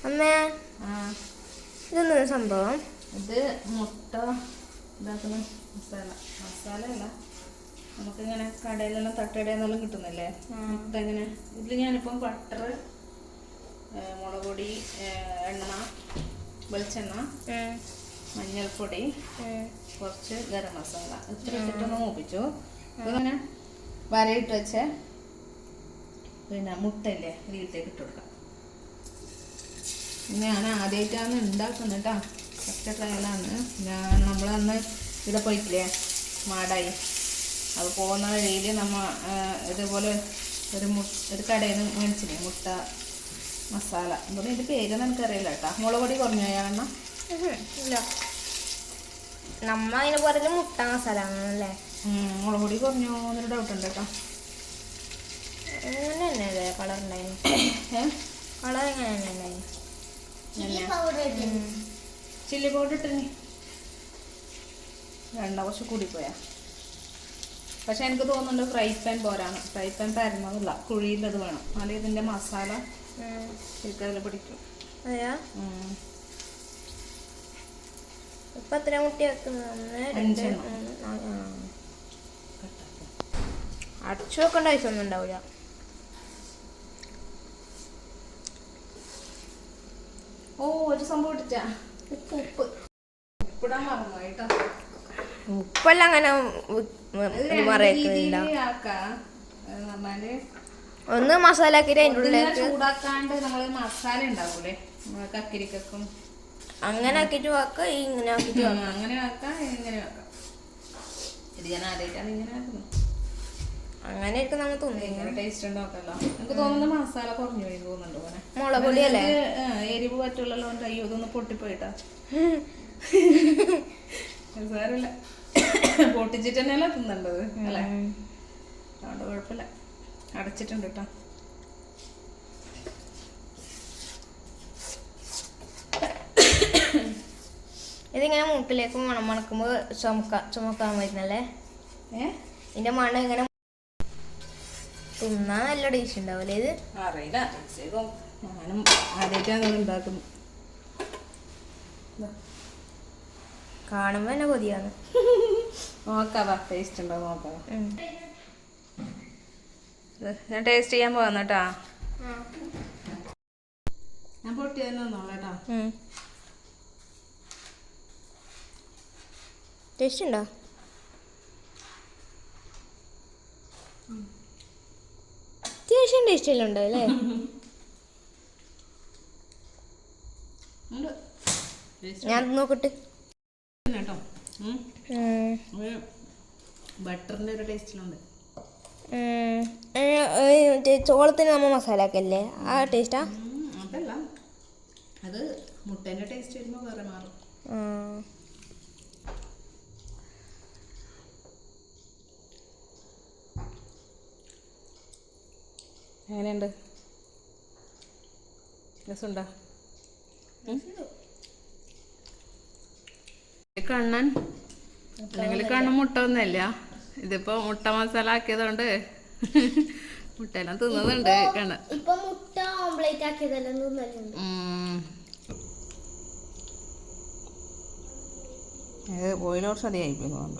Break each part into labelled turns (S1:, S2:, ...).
S1: അമ്മേ ഇതൊന്നും സംഭവം
S2: ഇത് മുട്ട ഇതാക്കുന്ന മസാല അല്ല നമുക്കിങ്ങനെ കടയിലെല്ലാം തട്ടുകടയെന്നെല്ലാം കിട്ടുന്നില്ലേ ഇതെങ്ങനെ ഇതിൽ ഞാനിപ്പം ബട്ടർ മുളക് പൊടി എണ്ണ വെളിച്ചെണ്ണ മഞ്ഞൾപ്പൊടി കുറച്ച് ഗരം മസാല ഇത്ര ഇട്ടിട്ടൊന്ന് മൂപ്പിച്ചു ഇതിങ്ങനെ വരയിട്ട് വെച്ച പിന്നെ മുട്ടയില്ലേ ഇതിലേക്ക് ഇട്ട് കൊടുക്കാം. ഞാൻ ആദ്യമായിട്ടാണ് ഉണ്ടാക്കുന്നത് കേട്ടോ. ഫസ്റ്റ് ട്രയലാണ്. നമ്മളന്ന് ഇവിടെ പോയിട്ടില്ലേ മാടായി, അത് പോകുന്ന വഴിയിൽ നമ്മൾ ഇതുപോലെ ഒരു കടയിൽ നിന്ന് മേടിച്ചില്ലേ മുട്ട മസാല. അപ്പോൾ ഇതിൻ്റെ പേരൊന്നും എനിക്കറിയില്ല കേട്ടോ. മുളക് പൊടി കുറഞ്ഞോ എണ്ണ?
S1: ഇല്ല, നമ്മ അതിന് പറയുന്നത് മുട്ട മസാല ആണല്ലേ.
S2: മുളക് പൊടി കുറഞ്ഞോ എന്നൊരു ഡൗട്ട് ഉണ്ട് കേട്ടോ.
S1: അങ്ങനെ തന്നെയല്ലേ കളർ ഉണ്ടായിരുന്നു? കളർ എങ്ങനെ തന്നെ ഉണ്ടായിരുന്നു?
S2: ചില്ലി പൗഡർ ഇട്ടിനി വേണ്ട, കുറച്ച് കൂടിപ്പോയാ. പക്ഷെ എനിക്ക് തോന്നുന്നുണ്ട് ഫ്രൈ പാൻ പോരാണ്. ഫ്രൈ പാൻ പരന്നതല്ല, കുഴിയിലത് വേണം. അല്ലെങ്കിൽ ഇതിൻ്റെ മസാല ശരിക്കതിൽ പിടിക്കും.
S1: അതെയാ? ഇപ്പം എത്ര മുട്ടി വെക്കുന്നത്?
S2: 5
S1: അടച്ചു വെക്കേണ്ട ആവശ്യമൊന്നും ഉണ്ടാവില്ല.
S2: ഓ, ഒരു സംഭവം ഇട്ടിട്ടാ ഉപ്പിടാൻ മറന്നു കേട്ടോ.
S1: ഉപ്പെല്ലാം അങ്ങനെ പറയത്തില്ല. ഒന്ന് മസാല ആക്കിയിട്ട് അതിൻ്റെ ഉള്ളിലേക്ക്
S2: ചൂടാക്കാണ്ട് നമ്മള് മസാല ഉണ്ടാവൂലേ കക്കിരിക്കും,
S1: അങ്ങനെ ആക്കിയിട്ട് വെക്കാം. ഇങ്ങനെ ആക്കിയിട്ട്
S2: അങ്ങനെ വെക്കാം, ഇങ്ങനെ വെക്കാം. ഇത് ഞാൻ ആദ്യമായിട്ടാണ് ഇങ്ങനെ ആക്കുന്നത്.
S1: അങ്ങനെ ആയിരിക്കും നമ്മൾ
S2: തോന്നുന്നു. ടേസ്റ്റ് ഉണ്ടോക്കല്ലോ. എനിക്ക് തോന്നുന്നു മസാല കുറഞ്ഞു പോയി തോന്നുന്നുണ്ട്. പോലെ
S1: മുളക് പൊടിയല്ലേ
S2: എരിവ് പറ്റുള്ളല്ലോ. അയ്യോ, ഇതൊന്ന് പൊട്ടിപ്പോയിട്ടാ. സാരമില്ല, പൊട്ടിച്ചിട്ട് തന്നെയല്ല തിന്നണ്ടത് അല്ലേ. അതുകൊണ്ട് കുഴപ്പമില്ല. അടച്ചിട്ടുണ്ട് കേട്ടോ.
S1: ഇതിങ്ങനെ മൂട്ടിലേക്ക് മണം മണക്കുമ്പോൾ ചുമക്കാൻ വരുന്നല്ലേ. ഇതിന്റെ മണം ഇങ്ങനെ തിന്നാൻ നല്ല ടേസ്റ്റ് ഉണ്ടാവൂലേ? ഇത്
S2: അറിയില്ല, ഞാനും ആദ്യമായിട്ടാണ് ഉണ്ടാക്കുന്നു.
S1: കാണുമ്പോ തന്നെ കൊതിയാണ്.
S2: നോക്കാവാ, ടേസ്റ്റ് ഉണ്ടോ നോക്കാവാ. ഞാൻ ടേസ്റ്റ് ചെയ്യാൻ പോകുന്ന കേട്ടാ. ഞാൻ പൊട്ടി തന്നെ വന്നോളാം കേട്ടോ.
S1: ടേസ്റ്റ് ഉണ്ടോ? അത്യാവശ്യം ടേസ്റ്റ് എല്ലാം ഉണ്ടോ അല്ലേ? ഞാൻ നോക്കട്ടെ
S2: കേട്ടോ. ബട്ടറിന്റെ ഒരു ടേസ്റ്റിലുണ്ട്.
S1: ചോളത്തിന് നമ്മൾ മസാല ആക്കല്ലേ, ആ ടേസ്റ്റാ?
S2: അതല്ല, അത് മുട്ടേന്റെ ടേസ്റ്റ് വരുമ്പോൾ വേറെ മാറും. എങ്ങനെയുണ്ട്? രസമുണ്ടോ? കണ്ണൻ അല്ലെങ്കിൽ കണ്ണൻ മുട്ട ഒന്നല്ല. ഇതിപ്പോ മുട്ട മസാല ആക്കിയതുകൊണ്ട് മുട്ടയെല്ലാം തിന്നുന്നുണ്ട് കണ്ണൻ.
S1: മുട്ട ഓംപ്ലേറ്റ് ആക്കിയതെല്ലാം
S2: ബോയിൽ കുറച്ച് അധികമായി തോന്നുന്നുണ്ട്.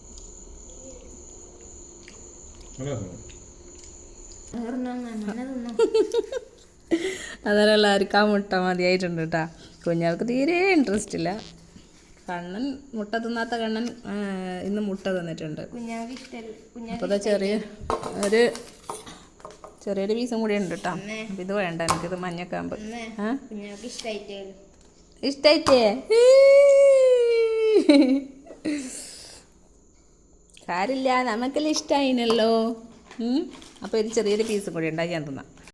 S2: അതെല്ലാം എല്ലാവർക്കും ആ മുട്ട മതിയായിട്ടുണ്ട് കേട്ടാ. കുഞ്ഞാൾക്ക് തീരെ ഇൻട്രസ്റ്റ് ഇല്ല. കണ്ണൻ മുട്ട തിന്നാത്ത കണ്ണൻ ഇന്ന് മുട്ട തന്നിട്ടുണ്ട്. അപ്പോൾ ചെറിയൊരു പീസും കൂടി ഉണ്ട് കേട്ടോ. അപ്പം ഇത് വേണ്ട, എനിക്കിത് മഞ്ഞക്കാമ്പ് ഇഷ്ടായിട്ടേ. കാര്യമില്ല, നമുക്കെല്ലാം ഇഷ്ടമായിനല്ലോ. അപ്പോൾ ഇത് ചെറിയൊരു പീസും കൂടി ഉണ്ടാക്കി ഞാൻ തിന്നാം.